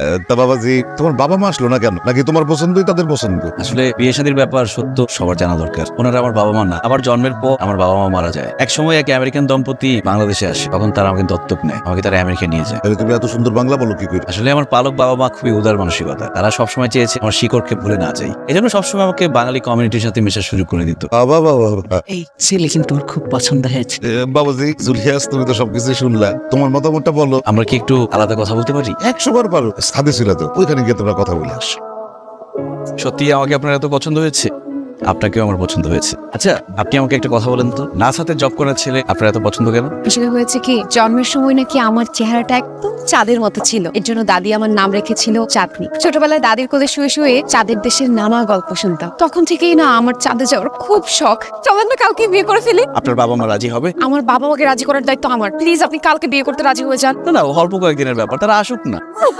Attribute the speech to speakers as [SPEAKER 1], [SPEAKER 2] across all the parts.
[SPEAKER 1] তা বাবাজি, তোমার বাবা মা আসলো না কেন? নাকি তোমার পছন্দই তাদের পছন্দ?
[SPEAKER 2] আসলে বিয়ে শাদীর ব্যাপার সত্য সবার জানা দরকার। ওনারা আমার বাবা মা না, আমার জন্মের পর আমার বাবা মা মারা যায়। এক সময় এক আমেরিকান দম্পতি বাংলাদেশে আসে, তখন তারা আমাকে দত্তক নেয়, আমাকে তারা আমেরিকা নিয়ে যায়।
[SPEAKER 1] তাহলে তুমি এত সুন্দর বাংলা বলো কি করে?
[SPEAKER 2] আসলে আমার পালক বাবা মা খুবই উদার মানসিকতা, তারা সবসময় চেয়েছে আমার শিকড়কে ভুলে না যাই, এই জন্য সবসময় আমাকে বাঙালি কমিউনিটির সাথে মেশার সুযোগ করে দিত।
[SPEAKER 1] বাবা বাবা বাবা।
[SPEAKER 3] এই ছেলে কিন্তু ওর খুব পছন্দ হয়েছে।
[SPEAKER 1] বাবাজি, জুলিয়াস, তুমি তো সবকিছু শুনলা, তোমার মতামতটা বলো।
[SPEAKER 2] আমরা কি একটু আলাদা কথা বলতে পারি?
[SPEAKER 1] 100 বার পারো। সাদে ছিল তো, ওইখানে গিয়ে তোমরা কথা বলে আস।
[SPEAKER 2] সত্যি আমাকে আপনার এত পছন্দ হয়েছে? আপনাকেও আমার পছন্দ হয়েছে। আচ্ছা, আপনি আমাকে একটা কথা বলেন তো, নাসাতে জব করার ছেলে আপনার এত পছন্দ কেন?
[SPEAKER 4] আসলে হয়েছে কি, জন্মের সময় নাকি আমার চেহারাটা একদম চাঁদের মতো ছিল, এর জন্য দাদি আমার নাম রেখেছিল চাঁদনি। ছোটবেলায় দাদির কোলে শুয়ে শুয়ে চাঁদের দেশের নানা গল্প শুনতাম, তখন থেকেই না আমার চাঁদে যাওয়ার খুব শখ। চলেন না কালকে বিয়ে করে ফেলি।
[SPEAKER 2] আপনার বাবা মা রাজি হবে?
[SPEAKER 4] আমার বাবা মাকে রাজি করার দায়িত্ব আমার। প্লিজ আপনি কালকে বিয়ে করতে রাজি হয়ে যান।
[SPEAKER 2] না না, অল্প কয়েকদিনের ব্যাপার, তারা আসুক না।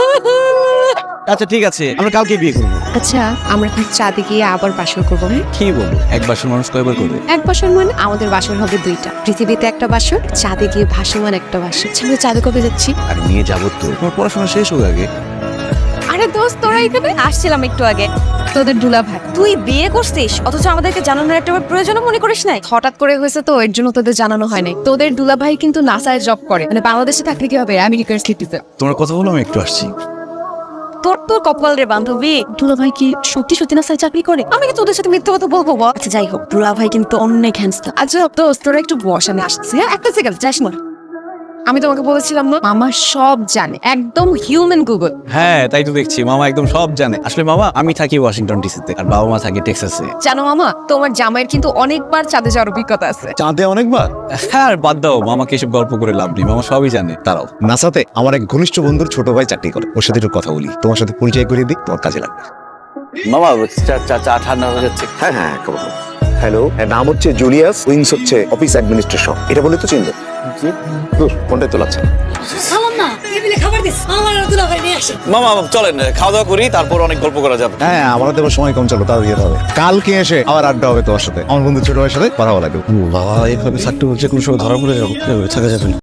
[SPEAKER 2] আচ্ছা ঠিক আছে, আমরা কালকে বিয়ে করবো।
[SPEAKER 4] আচ্ছা, আমরা এখন চাঁদে গিয়ে আবার বাসর করবো।
[SPEAKER 2] কি বলবো, এক বাসের মানুষ কয়বার করবে?
[SPEAKER 4] এক বাসর মানে আমাদের বাসর হবে 2টা, পৃথিবীতে একটা বাসর, চাঁদে গিয়ে ভাসমান একটা বাসর। আমরা চাঁদে কবে যাচ্ছি?
[SPEAKER 2] আর নিয়ে যাবো তো, তোমার পড়াশোনা শেষ হোক আগে।
[SPEAKER 4] আরে দোস্ত, তোরা এখানে
[SPEAKER 5] আসছিলাম একটু আগে।
[SPEAKER 4] তোদের দুলা ভাই
[SPEAKER 5] তুই বিয়ে করছিস অথচ আমাদেরকে জানানোর একটা প্রয়োজন মনে করিস নাই?
[SPEAKER 4] হঠাৎ করে হয়েছে তো, এর জন্য তোদের জানানো হয় নাই। তোদের দুলা ভাই কিন্তু নাসায় জব করে, মানে বাংলাদেশে থাকলে কি হবে, আমেরিকার সিটিতে।
[SPEAKER 2] তোমার কথা বলো, আমি একটু আসছি।
[SPEAKER 5] তোর তোর কপাল রে বান্ধবী,
[SPEAKER 4] দুলা ভাই কি সত্যি সত্যি নাসায় চাকরি করে? আমি কি তোদের সাথে মিথ্যে কথা বলবো বল?
[SPEAKER 5] আচ্ছা যাই হোক, দুলা ভাই কিন্তু অনেক হ্যান্ডসাম।
[SPEAKER 4] আচ্ছা দোস্ত, তোরা একটু বস, আমি আসছি। হ্যাঁ, একটা সেকেন্ড, যাস না। আমি তোমাকে বলেছিলাম না, মামা সব জানে, একদম হিউম্যান গুগল।
[SPEAKER 2] হ্যাঁ, তাই তো দেখছি, মামা একদম সব জানে। আসলে মামা, আমি থাকি ওয়াশিংটন ডিসিতে, আর বাবা মা থাকে টেক্সাসে।
[SPEAKER 4] জানো মামা, তোমার জামাইয়ের কিন্তু অনেকবার চাঁদে যাওয়ার অভিজ্ঞতা আছে।
[SPEAKER 2] চাঁদে অনেকবার? হ্যাঁ, আর বাদ দাও, মামাকে এসব গল্প করে লাভ নেই, মামা সবই জানে। তারাও
[SPEAKER 6] নাসাতে আমার এক ঘনিষ্ঠ বন্ধুর ছোট ভাই চাকরি করে, ওর সাথে একটু কথা বলি, তোমার সাথে পরিচয় করিয়ে দিই, তোমার কাজে লাগবে।
[SPEAKER 2] মামা, চা ঠান্ডা হয়ে যাচ্ছে।
[SPEAKER 6] হ্যাঁ হ্যাঁ, হ্যালো, এর নাম হচ্ছে জুলিয়াস, উইংস হচ্ছে অফিস অ্যাডমিনিস্ট্রেশন। এটা বলে তো চিনবে? কোনটাই তো লাগছে না।
[SPEAKER 2] মামা চলেন খাওয়া দাওয়া করি, তারপর অনেক গল্প করা যাবে।
[SPEAKER 6] হ্যাঁ, আমাদের তো সময় কম, চলো তাও যেতে হবে। কালকে এসে আবার আড্ডা হবে তোমার সাথে, আমার বন্ধু ছোট ভাইয়ের সাথে কথা বলা দেবো।
[SPEAKER 2] বাবা, এইভাবে থাকতে হচ্ছে, কোনো সময় ধরা পড়ে যাবো, থাকা যাবে না।